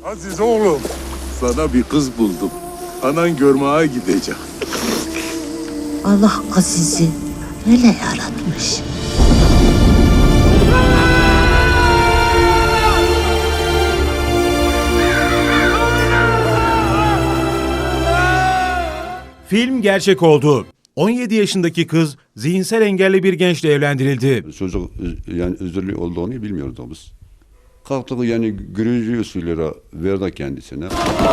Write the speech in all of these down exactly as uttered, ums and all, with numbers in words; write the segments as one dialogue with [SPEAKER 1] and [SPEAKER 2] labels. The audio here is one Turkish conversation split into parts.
[SPEAKER 1] Aziz oğlum, sana bir kız buldum. Anan görmeye gidecek.
[SPEAKER 2] Allah Aziz'i öyle yaratmış.
[SPEAKER 3] Film gerçek oldu. on yedi yaşındaki kız zihinsel engelli bir gençle evlendirildi.
[SPEAKER 4] Çocuk yani özürlü olduğunu bilmiyorduk biz. Kalktık yani görücü usulüyle verdi kendisine.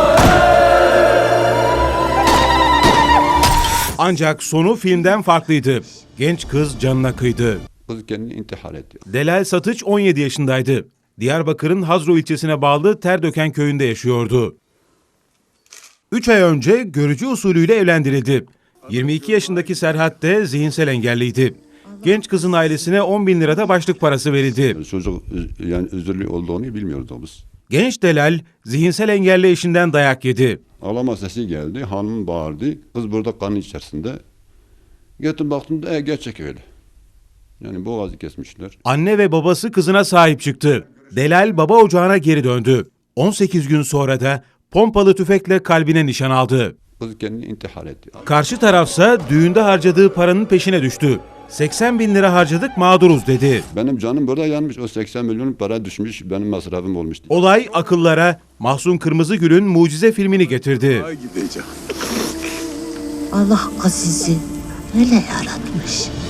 [SPEAKER 3] Ancak sonu filmden farklıydı. Genç kız canına kıydı.
[SPEAKER 4] Kız kendini intihar etti.
[SPEAKER 3] Delal Satıç on yedi yaşındaydı. Diyarbakır'ın Hazro ilçesine bağlı Terdöken köyünde yaşıyordu. üç ay önce görücü usulüyle evlendirildi. yirmi iki yaşındaki Serhat de zihinsel engelliydi. Genç kızın ailesine on bin lirada başlık parası verildi.
[SPEAKER 4] Çocuk yani özürlü olduğunu bilmiyorduk biz.
[SPEAKER 3] Genç Delal zihinsel engelli eşinden dayak yedi.
[SPEAKER 4] Ağlama sesi geldi, hanım bağırdı. Kız burada kan içerisinde. Gittim baktım da e, gerçek öyle. Yani boğazı kesmişler.
[SPEAKER 3] Anne ve babası kızına sahip çıktı. Delal baba ocağına geri döndü. on sekiz gün sonra da pompalı tüfekle kalbine nişan aldı.
[SPEAKER 4] Kız kendini intihar etti.
[SPEAKER 3] Karşı tarafsa düğünde harcadığı paranın peşine düştü. seksen bin lira harcadık mağduruz dedi.
[SPEAKER 4] Benim canım burada yanmış. O seksen milyon para düşmüş. Benim masrafım olmuş.
[SPEAKER 3] Olay akıllara Mahsun Kırmızıgül'ün Mucize filmini getirdi.
[SPEAKER 1] Görmeye gidecek.
[SPEAKER 2] Allah Aziz'i öyle yaratmış.